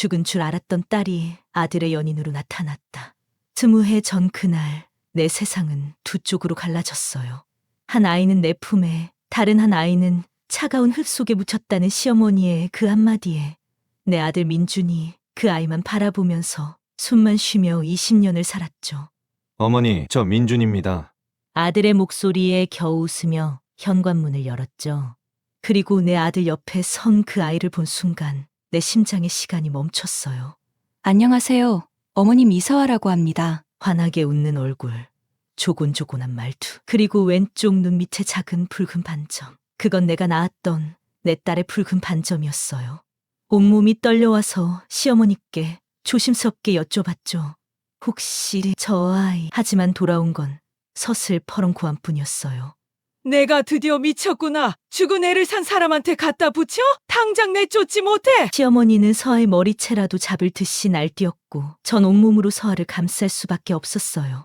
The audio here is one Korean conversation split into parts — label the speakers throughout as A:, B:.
A: 죽은 줄 알았던 딸이 아들의 연인으로 나타났다. 20해 전 그날 내 세상은 두 쪽으로 갈라졌어요. 한 아이는 내 품에, 다른 한 아이는 차가운 흙 속에 묻혔다는 시어머니의 그 한마디에 내 아들 민준이 그 아이만 바라보면서 숨만 쉬며 20년을 살았죠.
B: 어머니, 저 민준입니다.
A: 아들의 목소리에 겨우 웃으며 현관문을 열었죠. 그리고 내 아들 옆에 선 그 아이를 본 순간 내 심장의 시간이 멈췄어요.
C: 안녕하세요. 어머님 이서아라고 합니다.
A: 환하게 웃는 얼굴, 조곤조곤한 말투, 그리고 왼쪽 눈 밑에 작은 붉은 반점. 그건 내가 낳았던 내 딸의 붉은 반점이었어요. 온몸이 떨려와서 시어머니께 조심스럽게 여쭤봤죠. 혹시 저 아이? 하지만 돌아온 건 서슬퍼런 고함뿐이었어요.
D: 내가 드디어 미쳤구나. 죽은 애를 산 사람한테 갖다 붙여? 당장 내쫓지 못해.
A: 시어머니는 서아의 머리채라도 잡을 듯이 날뛰었고 전 온몸으로 서아를 감쌀 수밖에 없었어요.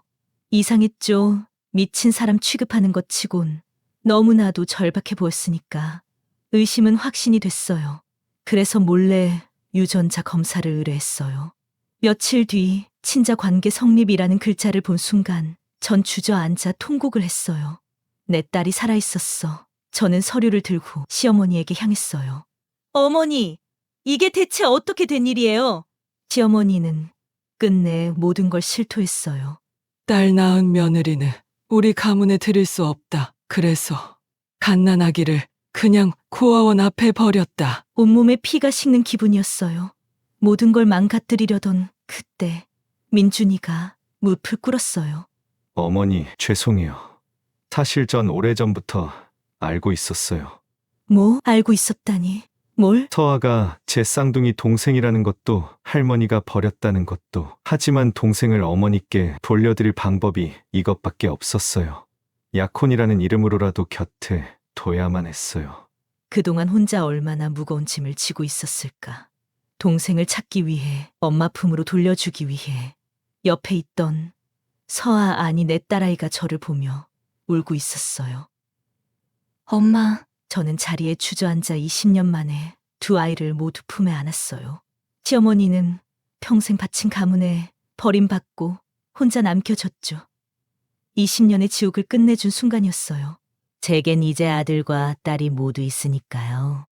A: 이상했죠. 미친 사람 취급하는 것 치곤 너무나도 절박해 보였으니까 의심은 확신이 됐어요. 그래서 몰래 유전자 검사를 의뢰했어요. 며칠 뒤 친자 관계 성립이라는 글자를 본 순간 전 주저앉아 통곡을 했어요. 내 딸이 살아있었어. 저는 서류를 들고 시어머니에게 향했어요. 어머니, 이게 대체 어떻게 된 일이에요? 시어머니는 끝내 모든 걸 실토했어요.
D: 딸 낳은 며느리는 우리 가문에 들일 수 없다. 그래서 갓난아기를 그냥 고아원 앞에 버렸다.
A: 온몸에 피가 식는 기분이었어요. 모든 걸 망가뜨리려던 그때 민준이가 무릎을 꿇었어요.
B: 어머니, 죄송해요. 사실 전 오래전부터 알고 있었어요.
A: 뭐 알고 있었다니? 뭘?
B: 서아가 제 쌍둥이 동생이라는 것도 할머니가 버렸다는 것도 하지만 동생을 어머니께 돌려드릴 방법이 이것밖에 없었어요. 약혼이라는 이름으로라도 곁에 둬야만 했어요.
A: 그동안 혼자 얼마나 무거운 짐을 지고 있었을까. 동생을 찾기 위해, 엄마 품으로 돌려주기 위해 옆에 있던 서아 아니 내 딸아이가 저를 보며 울고 있었어요.
C: 엄마,
A: 저는 자리에 주저앉아 20년 만에 두 아이를 모두 품에 안았어요. 시어머니는 평생 바친 가문에 버림받고 혼자 남겨졌죠. 20년의 지옥을 끝내준 순간이었어요. 제겐 이제 아들과 딸이 모두 있으니까요.